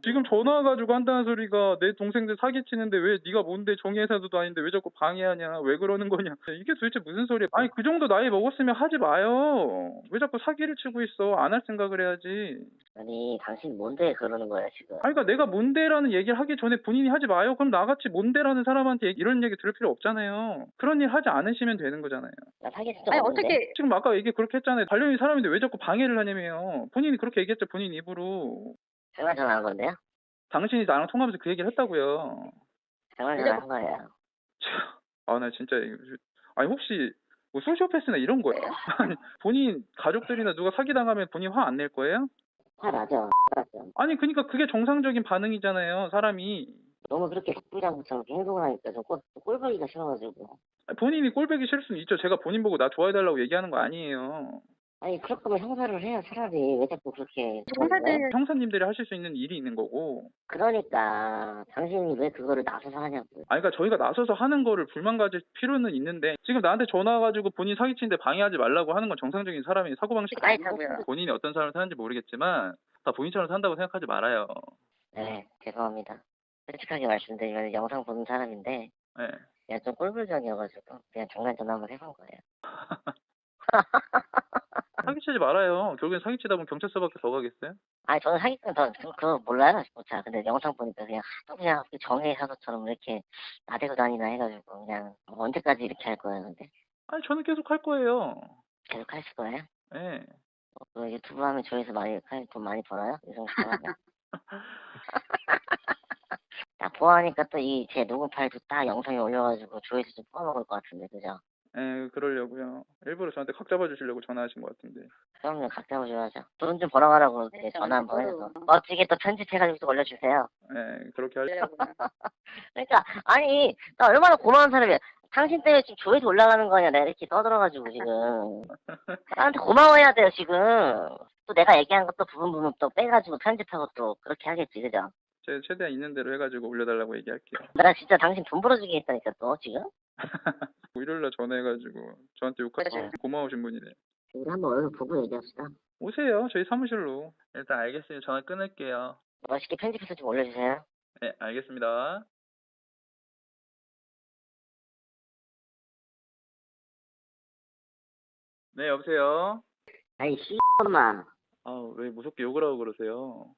지금 전화 와가지고 한다는 소리가 내 동생들 사기치는데 왜 네가 뭔데 정의회사도 아닌데 왜 자꾸 방해하냐 왜 그러는 거냐 이게 도대체 무슨 소리야. 아니 그 정도 나이 먹었으면 하지 마요. 왜 자꾸 사기를 치고 있어. 안 할 생각을 해야지. 아니 당신 뭔데 그러는 거야 지금. 아니 그러니까 내가 뭔데라는 얘기를 하기 전에 본인이 하지 마요. 그럼 나같이 뭔데라는 사람한테 이런 얘기 들을 필요 없잖아요. 그런 일 하지 않으시면 되는 거잖아요. 나 사기친 적 아니 없는데. 어떻게 지금 아까 얘기 그렇게 했잖아요. 관련인 사람인데 왜 자꾸 방해를 하냐며요. 본인이 그렇게 얘기했죠. 본인 입으로. 정말 전화한 건데요? 당신이 나랑 통화하면서 그 얘기를 했다고요. 정말 전화한 거예요. 아, 나 진짜 아니 혹시 뭐 소시오패스나 이런 거예요? 아니 본인 가족들이나 누가 사기당하면 본인 화 안 낼 거예요? 화 나죠. 나죠. 아니 그러니까 그게 정상적인 반응이잖아요. 사람이. 너무 그렇게 부장처럼 행동을 하니까 좀 꼴보기가 싫어가지고. 아니, 본인이 꼴보기 싫을 수는 있죠. 제가 본인 보고 나 좋아해달라고 얘기하는 거 아니에요. 아니 그럴 거면 형사를 해야 차라리 왜 자꾸 그렇게. 형사들 형사님들이 하실 수 있는 일이 있는 거고. 그러니까 당신이 왜 그거를 나서서 하냐고. 아니 그러니까 저희가 나서서 하는 거를 불만 가질 필요는 있는데 지금 나한테 전화 와가지고 본인 사기치는데 방해하지 말라고 하는 건 정상적인 사람의 사고방식이 아니, 아니고요. 본인이 어떤 삶을 사는지 모르겠지만 다 본인처럼 산다고 생각하지 말아요. 네, 죄송합니다. 솔직하게 말씀드리면 영상 보는 사람인데 네. 그냥 좀 꼴불견이어가지고 그냥 중간 전화 한번 해본 거예요. 사기치지 말아요. 결국엔 사기치다 보면 경찰서밖에 더 가겠어요? 아니 저는 사기꾼 그거 몰라요. 자 근데 영상 보니까 그냥 하도 그냥 정의사서처럼 이렇게 나대고 다니나 해가지고 그냥 언제까지 이렇게 할 거예요 근데? 아니 저는 계속 할 거예요. 계속 하실 거예요? 네. 그 유튜브 하면 조회수 돈 많이 벌어요? 이 정도 하면? 딱 보아하니까 또 이 제 녹음 파일도 딱 영상에 올려가지고 조회수 좀 뽑아먹을 것 같은데 그죠? 네, 그러려고요. 일부러 저한테 각 잡아주시려고 전화하신 것 같은데. 그럼요 각자 보셔야죠. 돈 좀 벌어가라고 이제 전화 한번 해서 멋지게 또 편집해가지고 또 올려주세요. 네, 그렇게 하려고요. 그러니까 아니 나 얼마나 고마운 사람이야. 당신 때문에 지금 조회수 올라가는 거 아니야. 내가 이렇게 떠들어가지고 지금 나한테 고마워해야 돼요 지금. 또 내가 얘기한 것도 부분 또 빼가지고 편집하고 또 그렇게 하겠지 그죠? 제가 최대한 있는 대로 해가지고 올려달라고 얘기할게요. 나 진짜 당신 돈 벌어주게 했다니까 또 지금. 일요일날 전화해가지고 저한테 욕하시고 고마우신 분이래요. 우리 한번 얼굴 보고 얘기합시다. 오세요. 저희 사무실로. 일단 알겠어요. 전화 끊을게요. 멋있게 편집해서 좀 올려주세요. 네, 알겠습니다. 네, 여보세요? 아이 씨 엄마. 아, 왜 무섭게 욕을 하고 그러세요?